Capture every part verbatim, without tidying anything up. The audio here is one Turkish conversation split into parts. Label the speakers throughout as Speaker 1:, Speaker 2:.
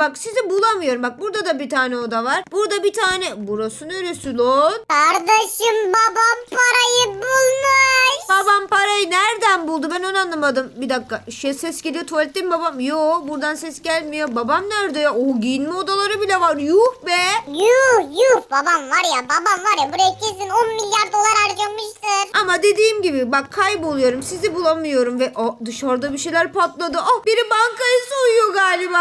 Speaker 1: bak sizi bulamıyorum. Bak burada da bir tane oda var. Burada bir tane. Burası neresi lan?
Speaker 2: Kardeşim babam parayı bulmuş.
Speaker 1: Babam parayı nereden buldu? Ben onu anlamadım. Bir dakika. Şey, ses geliyor. Tuvalette mi babam? Yo, buradan ses gelmiyor. Babam nerede ya? O giyinme odaları bile var. Yuh be.
Speaker 2: Yuh yuh babam var ya babam var ya buraya kesin on milyar dolar harcamıştır.
Speaker 1: Ama dediğim gibi bak kayboluyorum. Sizi bulamıyorum ve oh, dışarıda bir şeyler patladı. Oh, biri bankayı soyuyor galiba.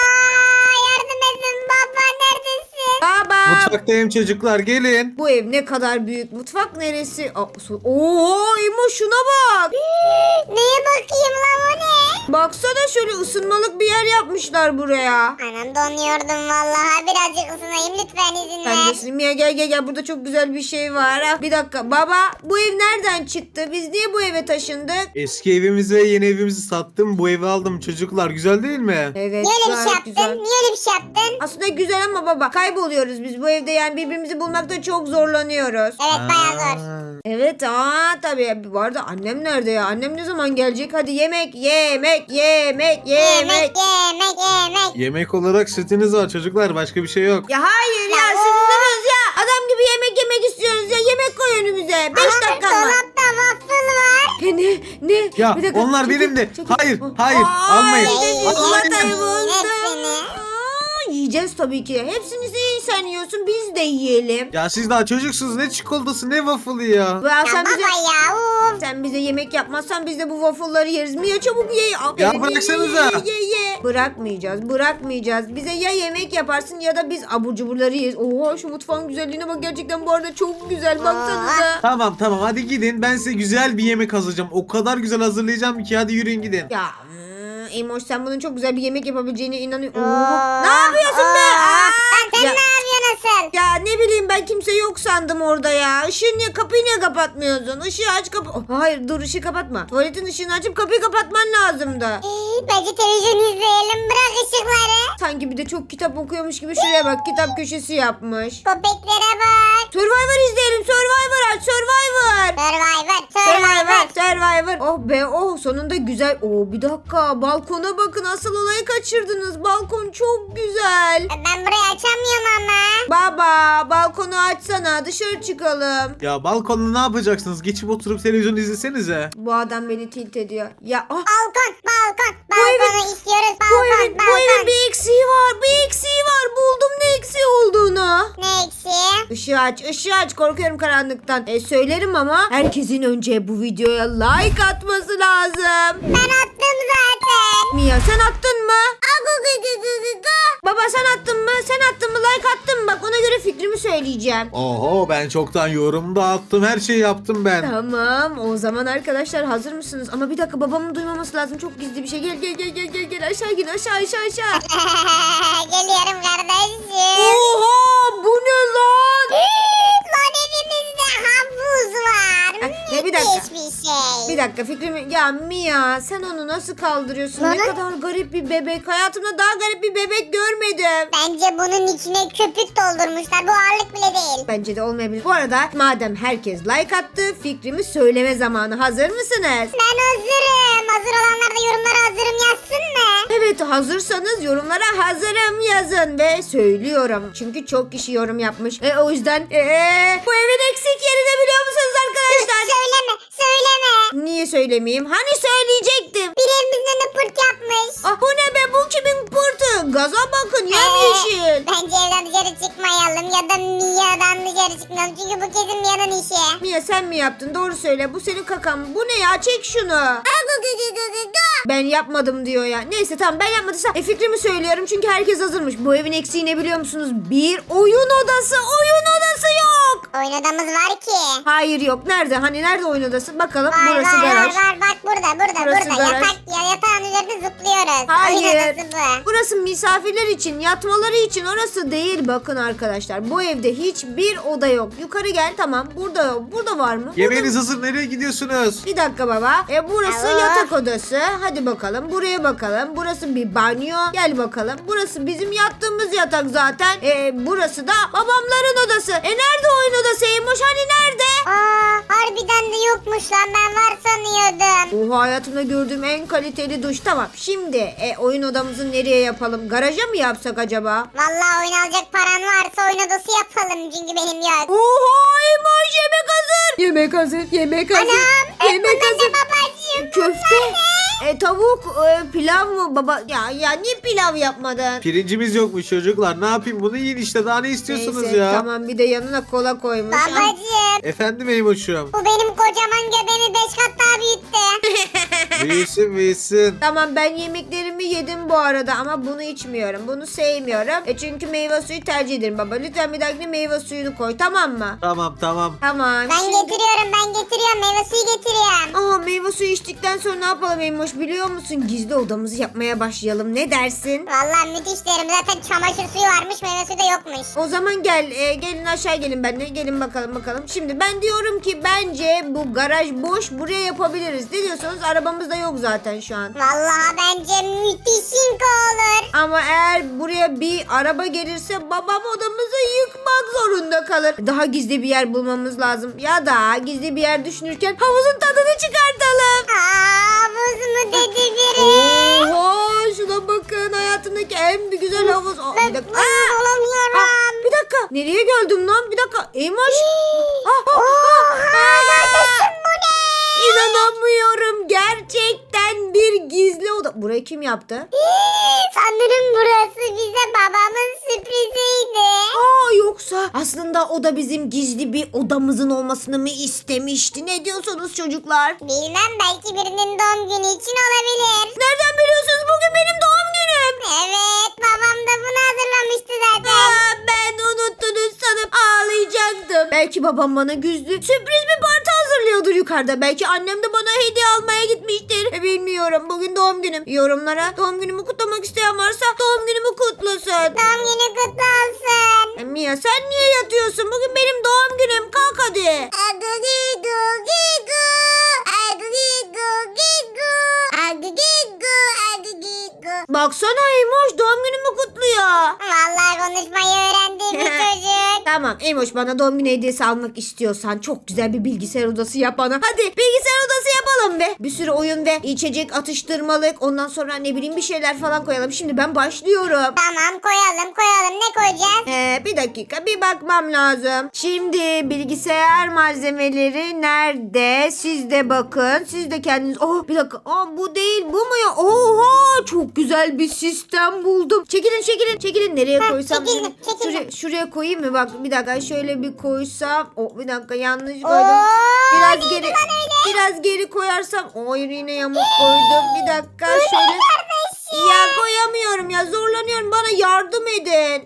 Speaker 2: Aa, yardım edin baba neredesin?
Speaker 1: Baba.
Speaker 3: Mutfaktayım çocuklar, gelin.
Speaker 1: Bu ev ne kadar büyük. Mutfak neresi? Aa, su- Oo, İmo şuna bak.
Speaker 2: Neye bakayım lan o ne?
Speaker 1: Baksana şöyle ısınmalık bir yer yapmışlar buraya.
Speaker 2: Anam donuyordum vallahi birazcık ısınayım lütfen izin
Speaker 1: Ben de
Speaker 2: ver.
Speaker 1: Slimia gel gel gel burada çok güzel bir şey var. Ah, bir dakika baba bu ev nereden çıktı? Biz niye bu eve taşındık?
Speaker 3: Eski evimizi ve yeni evimizi sattım. Bu evi aldım çocuklar. Güzel değil mi?
Speaker 1: Evet
Speaker 2: Niye öyle bir şey
Speaker 1: gayet
Speaker 2: yaptın?
Speaker 1: güzel.
Speaker 2: Niye öyle bir şey yaptın?
Speaker 1: Aslında güzel ama baba kayboluyoruz biz bu evde yani birbirimizi bulmakta çok zorlanıyoruz.
Speaker 2: Evet bayağı zor.
Speaker 3: Aa,
Speaker 1: Evet aa tabii bu arada annem nerede ya? Annem ne zaman gelecek? Hadi yemek yemek yemek yemek.
Speaker 2: Yemek yemek yemek.
Speaker 3: Yemek olarak sütünüz var çocuklar. Başka bir şey yok.
Speaker 1: Ya hayır ya,
Speaker 2: Ya
Speaker 1: siz
Speaker 2: o-
Speaker 1: izlemez ya. Adam gibi yemek yemek istiyoruz ya. Yemek koy önümüze. Beş
Speaker 2: Aha,
Speaker 1: dakika var.
Speaker 2: dolapta waffle var.
Speaker 1: Ya ne? Ne?
Speaker 3: Ya,
Speaker 1: Bir dakika,
Speaker 3: onlar
Speaker 1: çekil,
Speaker 3: benim de.
Speaker 1: çekil.
Speaker 3: Hayır,
Speaker 1: Oh.
Speaker 3: hayır,
Speaker 1: Ay,
Speaker 3: almayın.
Speaker 1: dedi,
Speaker 2: Almayın.
Speaker 1: çikolatayı
Speaker 2: Yiyin
Speaker 1: buldum.
Speaker 2: hepsini.
Speaker 1: Aa, yiyeceğiz tabii ki. Hepsini sen yiyorsun. Biz de yiyelim.
Speaker 3: Ya siz daha çocuksunuz. Ne çikolatası ne waffle'ı ya.
Speaker 1: Ve
Speaker 2: Ya
Speaker 1: sen
Speaker 2: baba
Speaker 1: bize,
Speaker 2: ya uf.
Speaker 1: sen bize yemek yapmazsan biz de bu waffle'ları yeriz. Mia çabuk ye. Aferin, ye,
Speaker 3: bıraksanıza.
Speaker 1: Ye, ye, ye. Bırakmayacağız. Bırakmayacağız. Bize ya yemek yaparsın ya da biz abur cuburları yeriz. Oha şu mutfağın güzelliğine bak. Gerçekten bu arada çok güzel. Baksanıza.
Speaker 3: Tamam tamam hadi gidin. Ben size güzel bir yemek hazırlayacağım. O kadar güzel hazırlayacağım ki hadi yürüyün gidin.
Speaker 1: Ya hmm, Emoş sen bunun çok güzel bir yemek yapabileceğine inanıyorum.
Speaker 2: Aa,
Speaker 1: Ne yapıyorsun be?
Speaker 2: aa.
Speaker 1: Aa!
Speaker 2: Lan sen
Speaker 1: Ya-
Speaker 2: ne yapıyorsun asıl?
Speaker 1: Ya ne bileyim ben kimse yok sandım orada ya. Işığı niye kapıyı niye kapatmıyorsun? Işığı aç kapı. Oh, hayır dur ışığı kapatma. Tuvaletin ışığını açıp kapıyı kapatman lazımdı.
Speaker 2: Ee, Bence televizyon izleyelim bırak ışıkları.
Speaker 1: Sanki bir de çok kitap okuyormuş gibi şuraya bak kitap köşesi yapmış.
Speaker 2: Köpeklere bak.
Speaker 1: Survivor izleyelim. Survivor aç. Survivor.
Speaker 2: Survivor
Speaker 1: Survivor.
Speaker 2: Survivor.
Speaker 1: Survivor. Oh be oh sonunda güzel. Oh bir dakika balkona bakın asıl olayı kaçırdınız. Balkon çok güzel.
Speaker 2: Ben burayı açamıyorum ama.
Speaker 1: Baba balkonu açsana dışarı çıkalım.
Speaker 3: Ya balkonda ne yapacaksınız? Geçip oturup televizyon izlesenize.
Speaker 1: Bu adam beni tilt ediyor. Ya ah,
Speaker 2: Balkon balkon.
Speaker 1: evin-
Speaker 2: Balkonu istiyoruz
Speaker 1: bu
Speaker 2: balkon
Speaker 1: evin, bu evin
Speaker 2: balkon.
Speaker 1: bir eksiği var. Bir eksiği var. Buldum ne eksiği olduğunu.
Speaker 2: Ne eksiği?
Speaker 1: Işığı aç, ışığı aç. Korkuyorum karanlıktan. E söylerim ama herkesin önce bu videoya like atması lazım.
Speaker 2: Ben attım zaten.
Speaker 1: Mia sen attın mı? Baba sen attın mı? Sen attın mı? Like attın mı? Bak ona göre fikrimi söyleyeceğim.
Speaker 3: Oho ben çoktan yorum da attım. Her şeyi yaptım ben.
Speaker 1: Tamam o zaman arkadaşlar hazır mısınız? Ama bir dakika babamın duymaması lazım. Çok gizli bir şey. Gel gel gel gel gel gel aşağı gel aşağı aşağı aşağı.
Speaker 2: Geliyorum kardeşim.
Speaker 1: Oha bu ne lan?
Speaker 2: Lan evimizde havuz var.
Speaker 1: Ay, ya bir dakika.
Speaker 2: Müthiş bir şey.
Speaker 1: Bir dakika fikrimi... Ya Mia sen onu nasıl kaldırıyorsun? Ne
Speaker 2: Neden?
Speaker 1: kadar garip bir bebek. Hayatımda daha garip bir bebek görmedim.
Speaker 2: Bence bunun içine köpük doldurmuşlar. Bu ağırlık bile değil.
Speaker 1: Bence de olmayabilir. Bu arada madem herkes like attı fikrimi söyleme zamanı. Hazır mısınız?
Speaker 2: Ben hazırım. Hazır olanlar da yorumlara hazırım yazsın mı?
Speaker 1: Evet hazırsanız yorumlara hazırım yazın ve söylüyorum. Çünkü çok kişi yorum yapmış. E, o yüzden ee, bu evin eksik yerini biliyor musunuz arkadaşlar?
Speaker 2: söyleme. Söyleme.
Speaker 1: Niye söylemeyeyim? Hani söyleyecektim.
Speaker 2: Biri evimizin önüne pırt yapmış.
Speaker 1: Ah bu ne be bu kimin pırtı? Gaza bakın yemyeşil.
Speaker 2: Bence evden dışarı çıkmayalım ya da Mia'dan dışarı çıkmayalım. Çünkü bu kesin Mia'nın işi.
Speaker 1: Mia sen mi yaptın? Doğru söyle. Bu senin kakan. Bu ne ya? Çek şunu. Ben yapmadım diyor ya. Neyse tamam ben yapmadıysam e, fikrimi söylüyorum. Çünkü herkes hazırmış. Bu evin eksiği ne biliyor musunuz? Bir oyun odası. Oyun odası yok.
Speaker 2: Oyun odamız var ki.
Speaker 1: Hayır yok. Nerede? Hani nerede oyun odası? Bakalım.
Speaker 2: Var
Speaker 1: Burası
Speaker 2: var
Speaker 1: garaj.
Speaker 2: var var. Bak burada burada
Speaker 1: Burası
Speaker 2: burada.
Speaker 1: garaj.
Speaker 2: Yatak, ya, yatağın üzerinde zıplıyoruz.
Speaker 1: Hayır.
Speaker 2: Oyun odası bu.
Speaker 1: Burası misafirler için, yatmaları için. Orası değil. Bakın arkadaşlar. Bu evde hiçbir oda yok. Yukarı gel. Tamam. Burada yok. Burada var mı? Burada
Speaker 3: Yemeğiniz hazır. Nereye gidiyorsunuz?
Speaker 1: Bir dakika baba. E burası
Speaker 2: Alo.
Speaker 1: yatak odası. Hadi bakalım. Buraya bakalım. Burası bir banyo. Gel bakalım. Burası bizim yattığımız yatak zaten. E burası da babamların odası. E nerede oyun odası Eymoş? Hani nerede?
Speaker 2: Aa, harbiden de yokmuş lan ben var sanıyordum.
Speaker 1: bu hayatımda gördüğüm en kaliteli duş. Tamam şimdi e, oyun odamızı nereye yapalım? Garaja mı yapsak acaba?
Speaker 2: Vallahi oyun alacak paran varsa oyun odası yapalım çünkü benim yok.
Speaker 1: Oha Emoş yemek hazır. Yemek hazır. Yemek hazır.
Speaker 2: Anam.
Speaker 1: Yemek
Speaker 2: bunlar
Speaker 1: hazır.
Speaker 2: ne babacığım?
Speaker 1: Köfte. E, tavuk, e, pilav mı baba? Ya ya niye pilav yapmadın?
Speaker 3: Pirincimiz yokmuş çocuklar. Ne yapayım, bunu yiyin işte, daha ne istiyorsunuz
Speaker 1: Neyse,
Speaker 3: ya?
Speaker 1: tamam bir de yanına kola koymuş.
Speaker 2: Babacığım.
Speaker 3: Efendim Eymoş'um.
Speaker 2: Bu benim kocaman göbeğimi beş kat daha büyüttü.
Speaker 3: Büyüsün büyüsün.
Speaker 1: Tamam ben yemeklerimi yedim bu arada ama bunu içmiyorum. Bunu sevmiyorum. E çünkü meyve suyu tercih ederim baba. Lütfen bir dahakine meyve suyunu koy tamam mı?
Speaker 3: Tamam tamam.
Speaker 1: Tamam.
Speaker 2: Ben
Speaker 1: şimdi-
Speaker 2: getiriyorum ben getiriyorum meyve suyu getiriyorum.
Speaker 1: Aa meyve suyu içtikten sonra ne yapalım Emoş biliyor musun? Gizli odamızı yapmaya başlayalım. Ne dersin?
Speaker 2: Vallahi müthiş derim zaten çamaşır suyu varmış meyve suyu da yokmuş.
Speaker 1: O zaman gel e, gelin aşağı gelin benimle. Gelin bakalım bakalım. Şimdi ben diyorum ki bence bu garaj boş, buraya yapabiliriz. Ne diyorsunuz? Arabamız da yok zaten şu an.
Speaker 2: Vallahi bence müthişinko olur.
Speaker 1: Ama eğer buraya bir araba gelirse babam odamızı yıkmak zorunda kalır. Daha gizli bir yer bulmamız lazım. Ya da gizli bir yer düşünürken havuzun tadını çıkartalım.
Speaker 2: Aa buz mu dedi biri.
Speaker 1: Oha şuna bakın hayatımdaki en bir güzel havuz. Aa, bir dakika.
Speaker 2: Ben
Speaker 1: Aa,
Speaker 2: olamıyorum.
Speaker 1: aa, bir dakika. Nereye geldim lan? Bir dakika. Eymoş. Ah, ah,
Speaker 2: Oha
Speaker 1: ah.
Speaker 2: neredesin bu ne?
Speaker 1: İnanamıyorum. Gerçekten bir gizli oda. Burayı kim yaptı?
Speaker 2: Sanırım burası bize babamın sürpriziydi.
Speaker 1: Aa yoksa aslında o da bizim gizli bir odamızın olmasını mı istemişti? Ne diyorsunuz çocuklar?
Speaker 2: Bilmem belki birinin doğum günü için olabilir.
Speaker 1: Nereden biliyorsunuz? Bugün benim doğum günüm.
Speaker 2: Evet babam da bunu hazırlamıştı zaten.
Speaker 1: Aa, ben unuttunuz sanıp ağlayacaktım. Belki babam bana güzdü. Sürpriz bir parti hazırlıyordur yukarıda. Belki annem de bana hediye almaya gitmiştir. E, bilmiyorum. Bugün doğum günüm. Yorumlara doğum günümü kutlamak isteyen varsa doğum günümü kutlasın.
Speaker 2: Doğum günü kutlu olsun.
Speaker 1: E, Mia sen niye yatıyorsun? Bugün benim doğum günüm. Kalk hadi.
Speaker 2: Agugigu gigu. Agugigu gigu. Agugigu agugigu.
Speaker 1: Baksana Eymoş doğum günümü kutluyor.
Speaker 2: Vallahi konuşmayı öğrendi bu çocuk.
Speaker 1: Tamam Eymoş bana doğum günü hediyesi almak istiyorsan çok güzel bir bilgisayar odası yap bana. Hadi bilgisayar odası yapalım be. Bir sürü oyun ve içecek atıştırmalık. Ondan sonra ne bileyim bir şeyler falan koyalım. Şimdi ben başlıyorum.
Speaker 2: Tamam koyalım koyalım ne koyacağız?
Speaker 1: Ee, bir dakika bir bakmam lazım. Şimdi bilgisayar malzemeleri nerede? Siz de bakın. Siz de kendiniz. Oh bir dakika. Aa, bu değil bu mu ya? Oha çok güzel bir sistem buldum. Çekilin çekilin çekilin. Nereye
Speaker 2: Heh,
Speaker 1: koysam?
Speaker 2: çekildim, çekildim.
Speaker 1: Şuraya, şuraya koyayım mı? Bak bir dakika şöyle bir koysam. Oh bir dakika yanlış koydum.
Speaker 2: Oo,
Speaker 1: Biraz
Speaker 2: neydi
Speaker 1: geri
Speaker 2: lan öyle?
Speaker 1: biraz geri koyarsam. Oh yine yamuk koydum. Bir dakika şöyle.
Speaker 2: Kardeşim.
Speaker 1: Ya koyamıyorum ya zorlanıyorum. Bana yardım edin.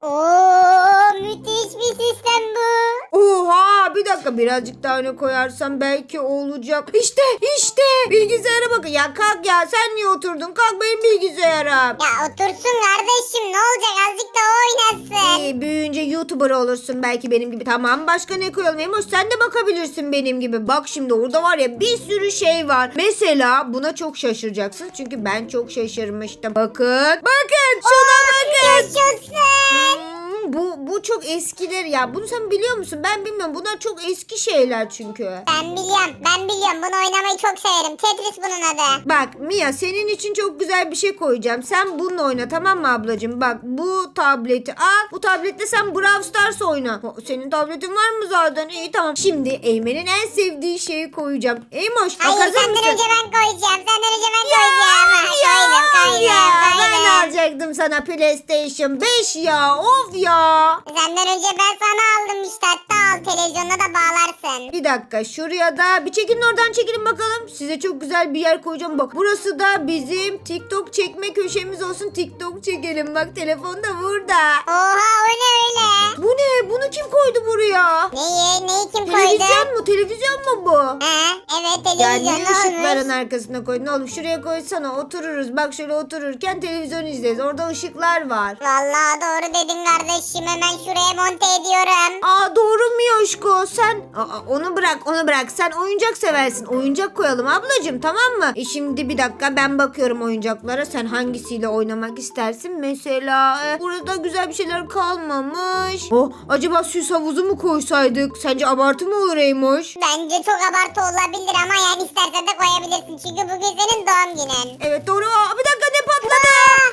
Speaker 2: Oo müthiş bir sistem bu.
Speaker 1: Oha bir dakika birazcık daha öne koyarsam belki olacak. İşte işte bilgisayara bakın. Ya kalk ya sen niye oturdun? Kalk benim bilgisayarım.
Speaker 2: Ya otursun kardeşim ne olacak azıcık da o oynasın.
Speaker 1: İyi, büyüyünce YouTuber olursun belki benim gibi. Tamam başka ne koyalım? Emoş sen de bakabilirsin benim gibi. Bak şimdi orada var ya bir sürü şey var. Mesela buna çok şaşıracaksın. Çünkü ben çok şaşırmıştım. Bakın. Bakın şuna bakın.
Speaker 2: Yaşasın.
Speaker 1: Hmm, bu, bu çok eskiler ya. Bunu sen biliyor musun? Ben bilmiyorum. Bunlar çok eski şeyler çünkü.
Speaker 2: Ben biliyorum ben biliyorum bunu oynamayı çok severim. Tetris bunun adı.
Speaker 1: Bak Mia senin için çok güzel bir şey koyacağım. Sen bununla oyna tamam mı ablacığım? Bak bu tableti al. Bu tabletle sen Brawl Stars oyna. O, senin tabletin var mı zaten? İyi tamam. Şimdi Eymen'in en sevdiği şeyi koyacağım. Eymoş bak
Speaker 2: Hayır
Speaker 1: hazır
Speaker 2: senden
Speaker 1: mısın?
Speaker 2: önce ben koyacağım. Senden önce ben koyacağım. Ha, koydum koydum
Speaker 1: ya, ben
Speaker 2: koydum.
Speaker 1: alacaktım sana PlayStation beş ya. Of ya.
Speaker 2: Senden önce ben sana aldım işte hatta al televizyonuna da bağlarsın.
Speaker 1: Bir dakika şuraya da bir çekilin oradan çekilin bakalım. Size çok güzel bir yer koyacağım. Bak burası da bizim TikTok çekme köşemiz olsun. TikTok çekelim bak telefon da burada.
Speaker 2: Oha o ne öyle?
Speaker 1: Bu ne? Bunu kim koydu buraya?
Speaker 2: Neyi neyi kim koydu?
Speaker 1: Televizyon mu? Televizyon mu bu?
Speaker 2: Ha, evet
Speaker 1: Ya
Speaker 2: televizyon
Speaker 1: niye
Speaker 2: ne
Speaker 1: ışıkların
Speaker 2: olmuş?
Speaker 1: arkasına koydun oğlum? Şuraya koysana otururuz. Bak şöyle otururken televizyon izleriz. Orada ışıklar var.
Speaker 2: Vallahi doğru dedin kardeşim hemen şuraya monte ediyorum.
Speaker 1: Aa doğru mu ya? Emoşko sen Aa, onu bırak onu bırak sen oyuncak seversin. Oyuncak koyalım ablacığım, tamam mı? E şimdi bir dakika, ben bakıyorum oyuncaklara. Sen hangisiyle oynamak istersin? Mesela e, burada güzel bir şeyler kalmamış. Oh, acaba süs havuzu mu koysaydık? Sence abartı mı olur Eymoş?
Speaker 2: Bence çok abartı olabilir ama yani istersen de koyabilirsin. Çünkü bugün senin doğum günün.
Speaker 1: Evet doğru. Aa, bir dakika, ne patladı?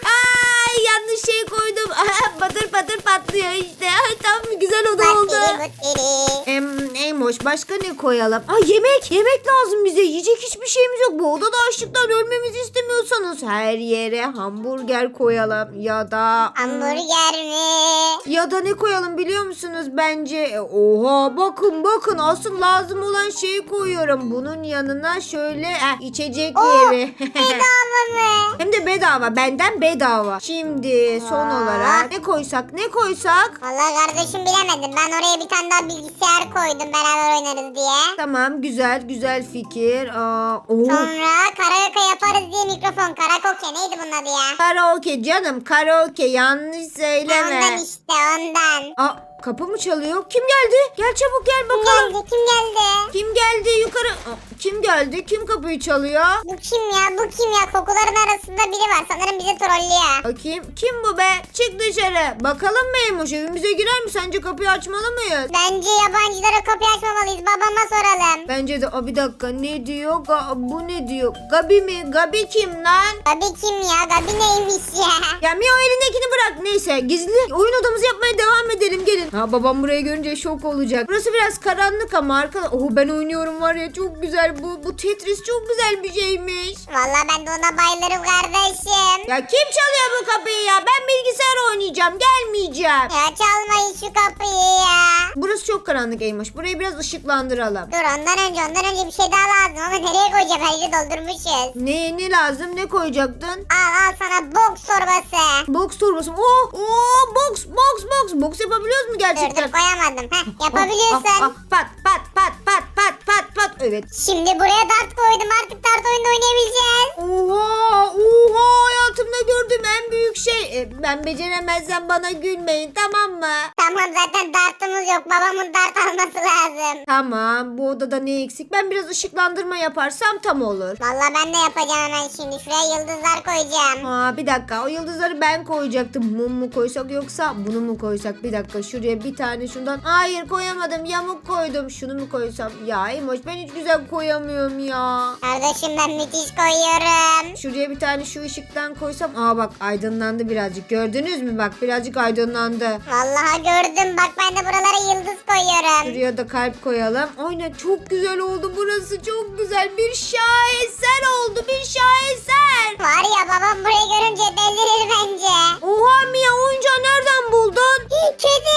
Speaker 1: Ay, yanlış şey koydum. patır patır patlıyor işte. Ay, tam güzel oda oldu.
Speaker 2: Batteri batteri.
Speaker 1: Em, Eymoş, başka ne koyalım? Aa, yemek. Yemek lazım bize. Yiyecek hiçbir şeyimiz yok. Bu odada açlıktan ölmemizi istemiyorsanız her yere hamburger koyalım. Ya da...
Speaker 2: Hamburger mi?
Speaker 1: Ya da ne koyalım biliyor musunuz? Bence e, oha, bakın bakın, asıl lazım olan şeyi koyuyorum. Bunun yanına şöyle eh, içecek
Speaker 2: Oh,
Speaker 1: yeri.
Speaker 2: Bedava mı?
Speaker 1: Hem de bedava, benden bedava. Şimdi son
Speaker 2: Aa.
Speaker 1: olarak ne koysak ne koysak?
Speaker 2: Vallahi kardeşim bilemedim. Ben oraya bir tane daha bilgisayar koydum beraber oynarız diye.
Speaker 1: Tamam, güzel güzel fikir. Aa, oo.
Speaker 2: Sonra karaoke yaparız diye mikrofon. Karaoke neydi bunun adı ya?
Speaker 1: Karaoke canım, karaoke, yanlış
Speaker 2: Ondan
Speaker 1: söyleme.
Speaker 2: işte ondan.
Speaker 1: Aa, kapı mı çalıyor? Kim geldi? Gel çabuk gel
Speaker 2: Kim
Speaker 1: bakalım.
Speaker 2: geldi? Kim geldi?
Speaker 1: Kim geldi yukarı? Aa, kim geldi? Kim kapıyı çalıyor?
Speaker 2: Bu kim ya? Bu kim ya? Kokuların arasında biri var. Sanırım bizi trollüyor.
Speaker 1: Bakayım, kim bu be? Çık dışarı. Bakalım Meymuş, evimize girer mi? Sence kapıyı açmalı mıyız?
Speaker 2: Bence yabancılara kapıyı açmamalıyız. Babama soralım.
Speaker 1: Bence de. Aa, bir dakika, ne diyor? Ga- bu ne diyor? Gabi mi? Gabi kim lan?
Speaker 2: Gabi kim ya? Gabi neymiş ya?
Speaker 1: Ya Mia, o elindekini bırak. Neyse, gizli oyun odamızı yapmaya devam edelim, gelin. Ha, babam burayı görünce şok olacak. Burası biraz karanlık ama arkada. Oh, ben oynuyorum var ya, çok güzel. Bu bu Tetris çok güzel bir şeymiş.
Speaker 2: Vallahi ben de ona bayılırım kardeşim.
Speaker 1: Ya kim çalıyor bu kapıyı ya? Ben bilgisayar oynayacağım, gelmeyeceğim.
Speaker 2: Ya çalmayın şu kapıyı ya.
Speaker 1: Burası çok karanlık Eymoş. Burayı biraz ışıklandıralım.
Speaker 2: Dur ondan önce ondan önce bir şey daha lazım ama nereye koyacağım? Her yeri doldurmuşuz.
Speaker 1: Ne ne lazım? Ne koyacaktın?
Speaker 2: Al al sana boks torbası.
Speaker 1: Boks torbası. Oo, oo, boks boks boks. Boks yapabiliyoruz mu
Speaker 2: Dur
Speaker 1: gerçekten?
Speaker 2: dur koyamadım. Heh,
Speaker 1: Ah,
Speaker 2: yapabiliyorsun.
Speaker 1: ah, ah, pat pat pat pat pat pat pat. Evet.
Speaker 2: Şimdi buraya dart koydum. Artık dart oyunu oynayabileceğiz.
Speaker 1: Oha oha, hayatımda gördüğüm en büyük şey. E, ben beceremezsem bana gülmeyin, tamam mı?
Speaker 2: Tamam zaten dartımız yok. Babamın dart alması lazım.
Speaker 1: Tamam, bu odada ne eksik? Ben biraz ışıklandırma yaparsam tam olur.
Speaker 2: Vallahi ben de yapacağım hemen şimdi. Şuraya yıldızlar koyacağım.
Speaker 1: Aa, bir dakika, o yıldızları ben koyacaktım. Mum mu koysak yoksa bunu mu koysak? Bir dakika, şuraya bir tane şundan. Hayır, koyamadım, yamuk koydum. Şunu mu koysam? Ya Emoş, ben hiç güzel koyamıyorum ya.
Speaker 2: Kardeşim ben müthiş koyuyorum.
Speaker 1: Şuraya bir tane şu ışıktan koysam. Aa bak, aydınlandı birazcık. Gördünüz mü? Bak, birazcık aydınlandı.
Speaker 2: Vallahi gördüm. Bak ben de buralara yıldız koyuyorum.
Speaker 1: Şuraya da kalp koyalım. Aynen, çok güzel oldu burası. Çok güzel. Bir şaheser oldu. Bir şaheser.
Speaker 2: Var ya babam burayı görünce delirir bence.
Speaker 1: Oha Mia, oyuncağı nereden buldun?
Speaker 2: Kedi.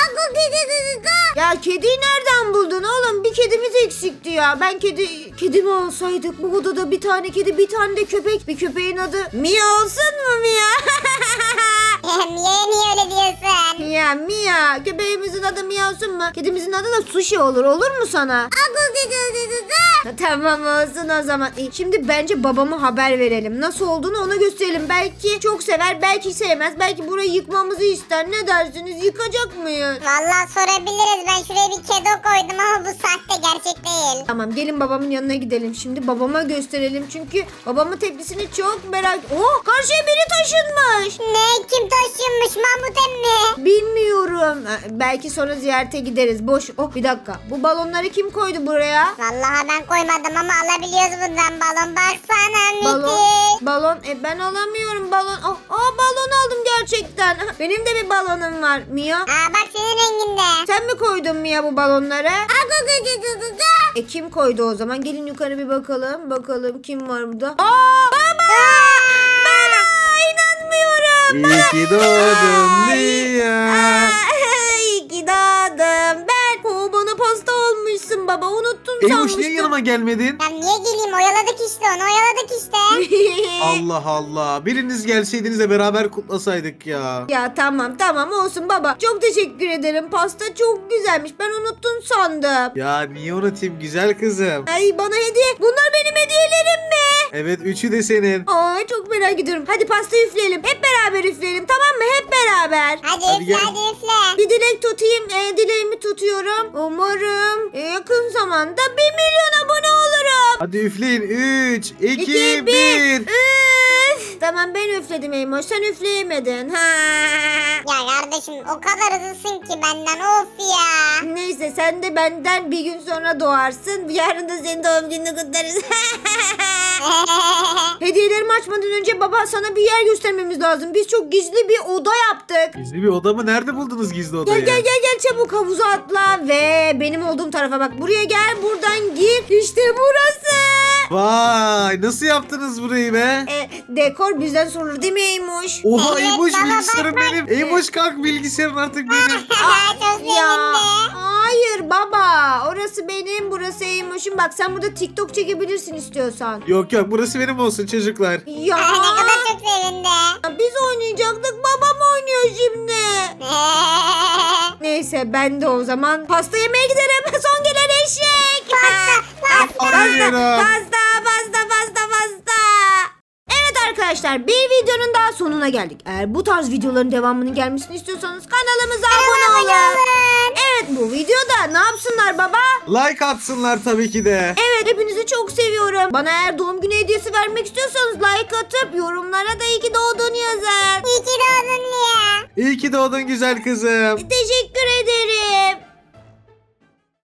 Speaker 1: Ya kediyi nereden buldun oğlum? Bir kedimiz eksikti ya. Ben kedi kedimi alsaydık. Bu odada bir tane kedi, bir tane de köpek. Bir köpeğin adı Mia olsun mu Mia?
Speaker 2: Niye niye öyle diyorsun?
Speaker 1: Mia Mia. Köpeğimizin adı Mia olsun mu? Kedimizin adı da Sushi olur. Olur mu sana? Tamam olsun o zaman. E, şimdi bence babama haber verelim. Nasıl olduğunu ona gösterelim. Belki çok sever, belki sevmez. Belki burayı yıkmamızı ister. Ne dersiniz? Yıkacak mıyız?
Speaker 2: Vallahi sorabiliriz. Ben şuraya bir kedo koydum ama bu sahte, gerçek değil.
Speaker 1: Tamam, gelin babamın yanına gidelim. Şimdi babama gösterelim. Çünkü babamın tepkisini çok merak... Oh, karşıya biri taşınmış.
Speaker 2: Ne? Kim taşınmış? Mahmut emmi.
Speaker 1: Bilmiyorum. Ha, belki sonra ziyarete gideriz. Boş. Oh, bir dakika. Bu balonları kim koydu buraya?
Speaker 2: Vallahi ben koymadım ama alabiliyoruz bundan balon. Baksana
Speaker 1: Balon.
Speaker 2: müthiş.
Speaker 1: Balon. E ben alamıyorum balon. Oh, aa, balon aldım gerçekten. Benim de bir balonum var. Mia.
Speaker 2: Aa bak senin renginde.
Speaker 1: Sen mi koydun Mia bu balonları? E kim koydu o zaman? Gelin yukarı bir bakalım. Bakalım kim var burada? Aa! Baba! Bana inanmıyorum.
Speaker 3: İyi ki doğdun Mia.
Speaker 1: İyi ki doğdum. Ben. O bana pasta olmuşsun baba. Unuttum
Speaker 3: Eymuş
Speaker 1: sanmıştım.
Speaker 3: niye yanıma gelmedin?
Speaker 2: Ya niye geleyim oyaladık işte onu oyaladık işte.
Speaker 3: Allah Allah. Biriniz gelseydiniz de beraber kutlasaydık ya.
Speaker 1: Ya tamam tamam olsun baba. Çok teşekkür ederim. Pasta çok güzelmiş. Ben unuttun sandım.
Speaker 3: Ya niye unutayım güzel kızım?
Speaker 1: Ay bana hediye. Bunlar benim hediyelerim mi?
Speaker 3: Evet üçü de senin.
Speaker 1: Ay çok merak ediyorum. Hadi pasta üfleyelim. Hep beraber üfleyelim tamam mı? Hep beraber.
Speaker 2: Hadi,
Speaker 3: Hadi
Speaker 2: üfle
Speaker 3: gel.
Speaker 2: hadi üfle.
Speaker 1: Bir dilek tutayım. E, dileğimi tutuyorum. Umarım e, yakın zamanda bir milyon abone olurum.
Speaker 3: Hadi üfleyin. üç, iki,
Speaker 1: İki,
Speaker 3: bir.
Speaker 1: Üf. Tamam ben üfledim Eymoş. Sen üfleyemedin. Ha.
Speaker 2: Ya kardeşim o kadar hızlısın ki benden of ya.
Speaker 1: Neyse sen de benden bir gün sonra doğarsın. Yarın da senin doğum gününü kutlarız. Hediyelerimi açmadan önce baba sana bir yer göstermemiz lazım. Biz çok gizli bir oda yaptık.
Speaker 3: Gizli bir oda mı? Nerede buldunuz gizli
Speaker 1: Gel
Speaker 3: odayı?
Speaker 1: gel gel gel çabuk havuza atla ve benim olduğum tarafa bak. Buraya gel buradan gir. İşte burası.
Speaker 3: Vay nasıl yaptınız burayı be?
Speaker 1: E, dekor bizden sorulur değil mi Eymoş?
Speaker 3: Oha
Speaker 2: Evet,
Speaker 3: Eymoş
Speaker 2: baba,
Speaker 3: bilgisayarım
Speaker 2: bak, bak.
Speaker 3: benim. Eymoş kalk bilgisayarın artık benim.
Speaker 2: Çok sevindi.
Speaker 1: Ya hayır baba orası benim burası Eymoş'un. Bak sen burada TikTok çekebilirsin istiyorsan.
Speaker 3: Yok yok burası benim olsun çocuklar.
Speaker 1: Ya
Speaker 2: Ay, ne kadar çok sevindi.
Speaker 1: biz oynayacaktık babam oynuyor şimdi. Neyse ben de o zaman pasta yemeye giderim. Son gelen eşek.
Speaker 2: Pasta, pasta.
Speaker 1: Pasta,
Speaker 3: Hayır.
Speaker 1: pasta, pasta, pasta, pasta. Evet arkadaşlar bir videonun daha sonuna geldik. Eğer bu tarz videoların devamının gelmesini istiyorsanız kanalımıza abone olun. Evet bu videoda ne yapsınlar baba?
Speaker 3: Like atsınlar tabii ki de.
Speaker 1: Evet hepinizi çok seviyorum. Bana eğer doğum günü hediyesi vermek istiyorsanız like atıp yorumlara da iyi ki doğdun yazın.
Speaker 2: İyi ki doğdun Lia.
Speaker 3: İyi ki doğdun güzel kızım.
Speaker 1: Teşekkür ederim.